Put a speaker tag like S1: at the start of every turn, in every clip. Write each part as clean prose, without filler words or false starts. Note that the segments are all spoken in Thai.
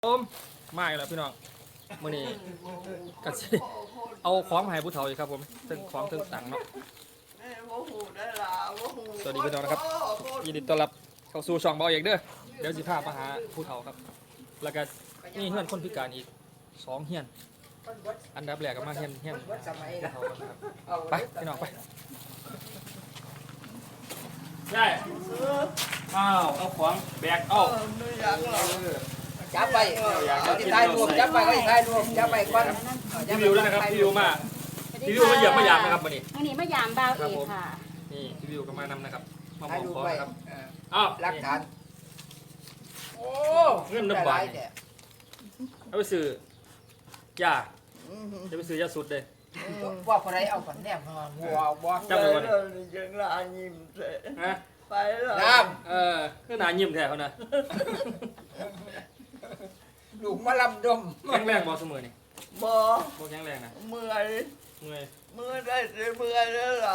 S1: ผมมาอีกแล้วพี่น้องมื้อนี้ก็สิเอาของมาให้ผู้เฒ่าอีกครับผมถึงของถึงตังค์เนาะสวัสดีพี่น้องนะครับยินดีต้อนรับเข้าสู่ช่องเบาเอกเด้อเดี๋ยวสิพามาหาผู้เฒ่าครับแล้วก็มีเฮือนคนพิการอีก2เฮือนอันดับแรกก็มาเฮือนผู้เฒ่าก่อนนะครับไปพี่น้องไปใช่อ้าวเอาของแบกเอา
S2: จับไปที่ท้ายรวมจับไปก็ที่ท้ายรวมจับไปก่อน
S1: พี่วิวด้วยนะครับพี่วิวมาพี่วิวมาเหยียบมาหยามนะครับวันนี้
S3: วันนี้มายามบ่าวเอกค่ะ
S1: นี่พี่วิวก็มานำนะครับมาบ
S2: ท้าย
S1: อก
S2: รวม
S1: ขอ
S2: ไป
S1: นะครับอ้าว
S2: หลักฐานโอ้
S1: เงินน้ำบาทเอาไปซื้อยาจะไปซื้อยาสุดเลย
S2: ว่าคนไรเอาคนแนบหัวบอส
S1: จำเลยวันนี้
S4: ยังลายิ้มเสร็จ
S1: ฮะ
S4: ไปแล้ว
S2: น้
S1: คือหนายิ้มแท้เขานะ
S2: ำลูกมาลำดม
S1: แข็งแรงบอเสมอนี่
S4: บอ
S1: บ่แข็งแรงนะ
S4: เมื่อย
S1: เมื่อย
S4: เมื่อยได้สิเมื่อยแล้วล่ะ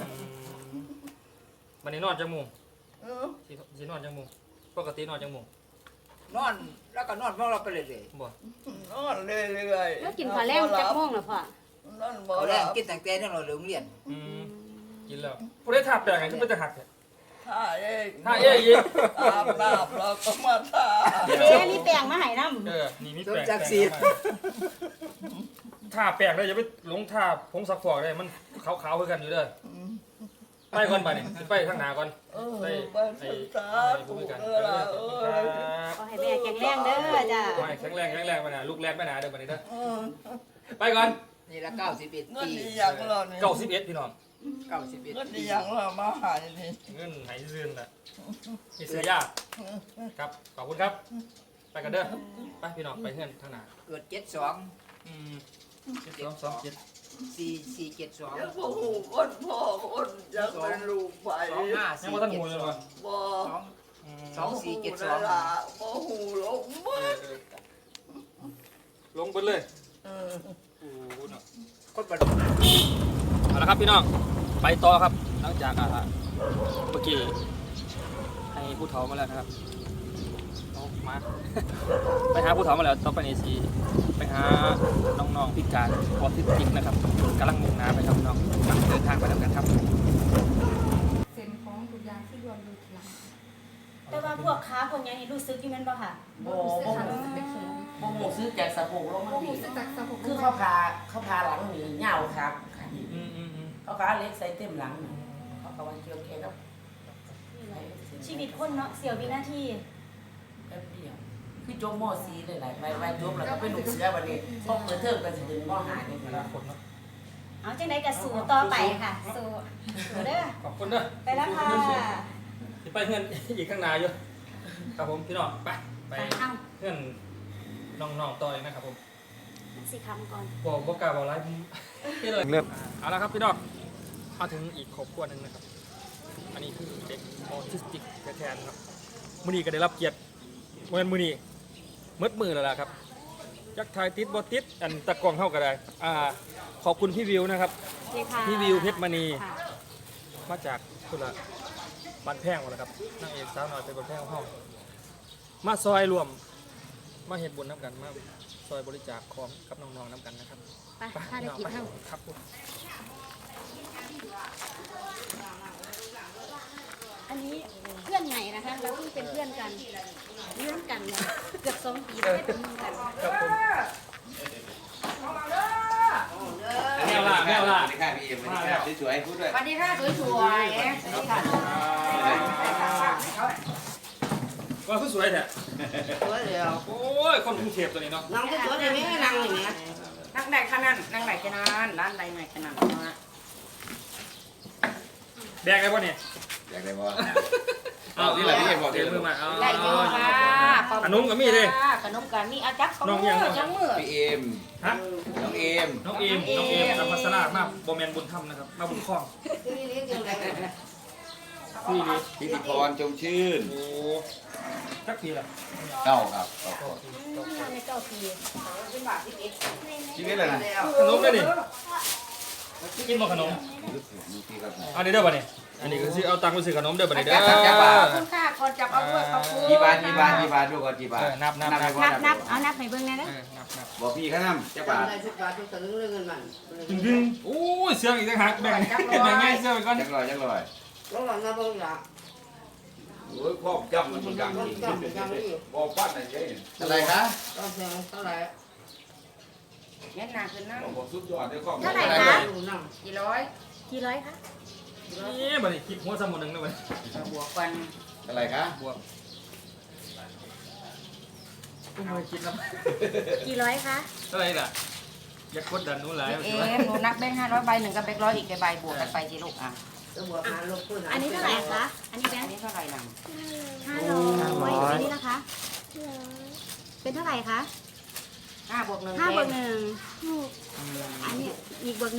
S1: วันนี้นอนจังมุง
S4: เออ
S1: สินอนจังมุงปกตินอนจังมุง
S2: นอนแล้วก็นอนพวกเราไปเลย
S1: บ่
S4: นอนเรื่อยๆ
S3: แล้วกินข้าวแรงจักโม่วงแล้วพ่อน
S4: อนบ่
S2: เขา
S4: ห
S2: แร
S4: ลั
S2: ง
S4: บ
S2: กินตั้งแต่นั่นเราโรงเรียน
S1: กินแล้วผู้ได้ทาแปลงไงที่เป็นจะหักเนี่ย
S4: ท่าเอง
S1: ทาเอ้ยอีก
S4: อาบน้ำเราก็มาท่า
S3: เด้มีแป้งมาให้น้ำ
S1: นี่มี
S2: ต้น
S1: แปลง
S2: จักรีด
S1: ทาแปลงเลยอย่าไปหลงทาผงซักฟอกเลยมันขาวๆคือกันอยู่เด้อไปก่อนไปนี่ไปข้างหน้าก่อน
S4: เออ
S1: ไป
S4: ไปศึกษาถูกเออล่ะเออ
S3: ขอให้แม่แข็งแรงเด้อจ้า
S1: ไปแข็งแรงมาหนาลูกแรกมาหนาเด้อบัดนี้เด้อ
S4: เออ
S1: ไปก่อน
S2: นี่ละ91
S4: เงิน
S2: ปี
S4: ดีอย่างเราเนี่ย
S1: 91พี่น้อง
S2: 91
S4: เงินดีอย่างเรามาหายนี่
S1: เงินไหซื่นน่ะนี่ซื้อยากครับขอบคุณครับ ไปกันเด้อไปพี่น้องไปเฮือนทางหน้า
S2: เกิด72
S1: อืม227
S2: 4472
S4: ยังบ่หูคนพ่อคนยังเป็นลูกไป
S1: ยังบ่ทันหูเลยว่ะ
S4: บ่
S2: 2472
S4: ล่ะบ่หูลงบ่
S1: ลงไปเลย
S4: เออ
S1: โอ้โหเนาะ
S2: คนบัด
S1: เอาละครับพี่น้องไปต่อครับหลังจากเมื่อกี้ให้ผู้เฒ่ามาแล้วนะครับเอามา ไปหาผู้เฒ่ามาแล้วต้องไปในสีไปหาน้องๆพิการออทิสติกนะครับกำลังมุ่งหน้าไปครับพี่น้องเดินทางไปแล้วกันครับ
S5: เซ็นของทุกอย่างที่รวมอยู่ทีหลัง
S3: แต่ว่าพวกค้าพวกนี้นี่รู้สึกอยู่แม่นบ่ค่ะ
S5: บ่รู้สึกค่ะรู้สึกเป็นเข็ม
S6: โมโหซื้อแกงสะโพกลง
S5: บ่
S6: มันดี
S5: รู้สึกจากสะโพก
S6: คือเขาพาหลังหนีเหงาครับเขาพาเล็กใส่เต็มหลังเขาก็ว่าเกี่ยวแค่แล้ว
S3: ชีวิตคนเนาะเสียววินาที
S6: แป๊บเดียวคือจมมอซีเลยหลายใบจมแล้วก็ไปหนุกเสือวันนี้พอเปิดเทอมก็จะถึงมอหาเนี่ย
S1: เวลาคนเนาะ
S3: เอาจังได๋ก็สู้ต่อไปค่ะสู้เด้อ
S1: ขอบคุณเด้อ
S3: ไปแล้วค่ะ
S1: สิไปเฮือนอีกข้างหน้าอยู่ครับผมพี่น้องไป
S3: ไปทาง
S1: เฮือนน้องๆต่อเลยนะครับผม
S3: สิคำก่อน
S1: บอกกล้าบอกไรผมเริ่มเอาละครับพี่น้องมาถึงอีกครอบครัวหนึ่งนะครับอันนี้คือเด็กออทิสติกแท้ๆนะครับมื้อนี้ก็ได้รับเกียรติเมื่อมื้อนี้มืดแล้วล่ะครับจักทายติดบ่ติดอันตะกล้องเข้าก็ได้ขอบคุณพี่วิวนะครับ
S3: นี่ค่ะ
S1: พี่วิวเพชรมณี
S3: ค่ะ
S1: มาจากคุณละบ้านแพงหมดแล้วครับนางเอกสาวน้อยเป็นบ้านแพงของห้องมาซอยรวมมาเฮ็ดบุญน้ำกันมาซอยบริจาคของกับน้องๆน้ำกันนะครับ
S3: ไปถ้าได้กินเฮา
S1: ครับผม
S3: อันนี้เพื่อนใหม่นะคะเราเพิ่งเป็นเพื่อนกันเพื่อนกันเนี่ยเกือบ2 ปีแล้วไม่เป็นเพื่อนกัน
S1: ครับผมแมวล่ะ
S7: สวัสดีค่ะพี่เอ็มสวัสดีค่ะสวยๆพูดด้วย
S6: สวัสดีค่ะสวยๆสวัสดีค่ะ
S1: ว่าสวยแท้
S6: สวยเดียว
S1: โอ้ยคนกรุงเทพตัวนี้เนาะ
S6: นั่งสวยๆนี่นั่งอย่างเงี้ยนั่งได้ขนาดนั่งได้ขนาดร้านใดไหนขนาดนะ
S1: แดกได้ป่ะเนี่ย
S7: อยากได้บ่เอาที่ไหนพี่เอ็มบอก
S1: เดี๋ยวมือมาเอา
S6: ได้อยู่ค่ะ
S1: ขนมกับมีดิ
S6: ขนมกันมีอาจักของ
S1: น้องยัง
S6: จังมือ
S7: พี่เอ็ม
S1: ฮะ
S7: น้องเอ็ม
S1: น้องเอมอัมพัสรามาโบแมนบุญธรรมนะครับมาบุญคล้องพี่ดี
S7: พิธีพรจงชื่น
S1: โอ้จักปีละ
S7: เก้าครับ
S3: ใน9 ปี
S7: ชีวิตอะไรนะ
S1: ขนมเลยนี่กินบ่ขนม
S7: ดูที่ครับ
S1: เอาเดี๋ยวป่ะเนี่ยอันนี้ก็ซื้อเอาตังค์ไปซื้อขนมเด้อป่ะเนี่ยเด้อ
S3: ขอบคุณค่ะ
S2: ก่อนจับเอาด้วยขอบคุณ
S7: กี่บาทกี่บาทกี่บาทดูก่อนกี่บาท
S1: นับ
S7: ไปก่อ
S3: นับเอานับให้เบิ่งแน่เด้อ
S1: นับ
S7: บอกพี่เขานำจะบาท
S2: ได้สิบบาททุกตะลึงเงินมัน
S1: ดึงโอ้ยเสื้ออีกต่างหากแบ่งง่ายเสื้อไปก่อน
S7: จักรอย
S2: แล้วหลังนะเบิ่งละ
S7: โอ้ยครอบจำมันดัง
S2: จำจำนี่
S7: บอกปั้นอะไรอะไรคะ
S2: ต้องเสียงเท่าไหร่เงี้ยหนักขึ้นนะ
S7: บอกสุดยอดได้ครอบ
S3: เท่าไหร่คะ
S2: ดูนั่งกี่ร้อย
S3: กี่ร้อยคะ
S1: นี่บัดนี้คิดหัวสมุนหนึ่งเลย
S2: บวกกัน
S7: อะไรคะ
S1: บวกกูไม่คิดนะ
S3: กี่ร้อยคะ
S1: เท่าไหร่ล่ะอย่ากดดันนู้นหลาย
S2: เอ๊ะหนูนับแบงค์500ใบหนึ่งกับแบงค์100อีกใบบวกกันไปสิลูกอ่ะบวกหารลบคูณหาร
S3: อันนี้เท่าไหร่คะอันนี้แบง
S2: อัน
S3: ค์
S2: นี้เท่าไหร่ล่ะ
S3: 500อันนี้นะคะเป็นเท่าไหร่คะ
S2: 5 บวก 1
S3: 5 บวก 1อันนี้อีกบวก 1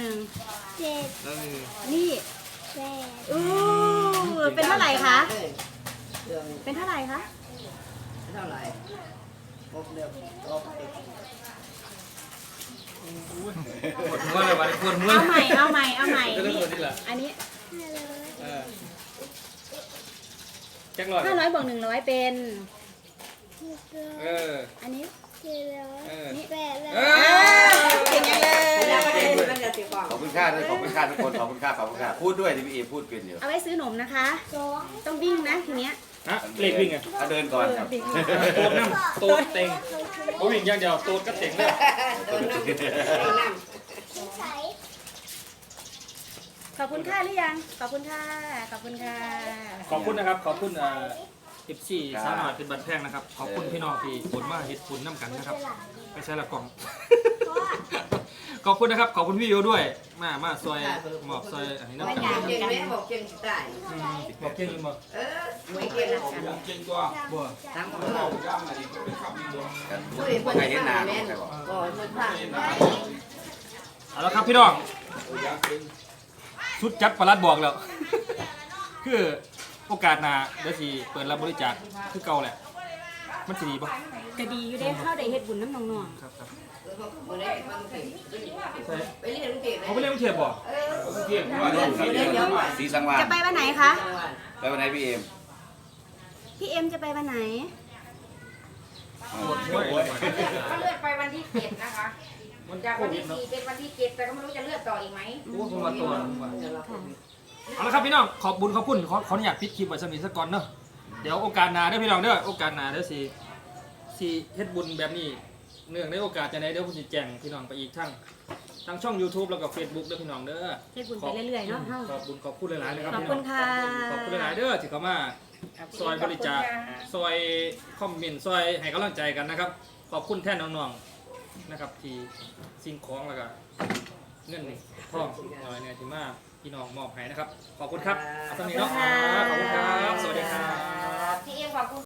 S3: นี่อู้เป็นเท่าไหร่คะเป็นเท่าไหร่คะ
S2: เท่าไหร่บวกเดียวลบอีก
S1: ปวดหัวเลยบัดนี้ปวดหัว
S3: เอาใหม่เอาใหม่เอาใหม่
S1: ก็ต้องปวดนี่แหละ
S3: อันนี้
S1: จักรอย
S3: 500บวก100เป็น อันนี้ นี่เก่งจังเลย
S7: ขอบคุณค่าด้วยขอบคุณค่าทุกคนขอบคุณค่าขอบคุณค่าพูดด้วยที่พี่เอพูดเป็นอยู่
S3: เอาไว้ซื้อหนมนะคะ ต้องวิ่งนะทีเนี้ย
S1: ฮะเล็กวิ่งอ่ะ
S7: ถ้าเดินก่อนครับ
S1: โตดน้ำโตดเต็งเขาวิ่งอย่างเดียวโตดก็เต็งเลย
S3: ขอบคุณค่ะหรือยัง ขอบคุณค่ะ ขอบคุณค่ะ
S1: ขอบคุณนะครับขอบคุณ14สาวหน่อยเป็นบัตรแพงนะครับขอบคุณพี่น้องที่ผลมาเฮ็ดผลน้ำกันนะครับไปใช้ละกล่องขอบคุณนะครับขอบคุณพี่โยด้วยมาซอยหมอบซอยอันนี้น้ำกัน
S2: เก่งไหมบอกเก่งได้
S1: บอกเก่งบ่
S2: ไม่เก่งนะ
S7: เก่งตัว
S1: บ่
S2: ทั้งหมด
S7: เราย่ำอะไรเป็นคำนี้ด้วยกัน
S2: ผู้เห็นคน
S7: ใครเห็นหน้า
S2: แม่
S7: ใครบอก
S2: ก็คนผ่าน
S1: เอาละครับพี่น้องชุดจัดประหลัดบอกแล้ว คือโอกาสหน้าเดี๋ยวสิเปิดรับบริจาคคือเก่าแหละมันสิดีป่ะ
S3: ก็ดีอยู่เด้เข้าได้เฮ็ดบุญน้ำน้อง
S1: ครับ
S2: คนได้มาเก่งไปเรียนเก่ง
S1: เขาไปเล่นกรุงเทพบ่
S7: เที่ยงว่าสีสังวา
S3: ๆ
S7: น
S3: จะไปวันไหนคะ
S7: ไปวันไหนพี่เอม
S3: พี่เอ็มจะไปวันไหน
S2: ก็เลือดไปวันที่7นะคะจากวันที่4เป็นวันที่7แต่ก็ไม่รู้จะเลือดต่ออีกไหม
S1: โอ้ผมมาตัวเอาละครับพี่น้องขอบบุญขอบคุณขออนุญาตปิดคลิปไว้สมิสักก่อนเนาะเดี๋ยวโอกาสหน้าเด้อพี่น้องเด้อโอกาสหน้าเด้อสิเฮ็ดบุญแบบนี้เนื่องในโอกาสจะไหนเดี๋ยวผมสิแจ้งพี่น้องไปอีกทั้งช่อง YouTube แล้วก็ Facebook เด้อพี่น้องเด้อ
S3: เฮ็ดบุญไปเรื่อยๆเนาะเฮา
S1: ขอบบุญขอบคุณหลายๆนะครับ
S3: ขอบ
S1: พี่
S3: คุ
S1: น้อ
S3: ณ
S1: ง
S3: ค่ะ
S1: ขอบคุณหลายๆเด้อที่เข้ามาซอยบริจาคซอยคอมเมนต์ซอยให้กำลังใจกันนะครับ ขอบคุณแทนน้องๆนะครับที่สิ่งของแล้วก็เงินนี่ทองหน่อยเนี่ยที่มาพี่น้องมอบให้นะครับ ขอบคุณครับเอาตรงนี้เนาะขอบคุณครับ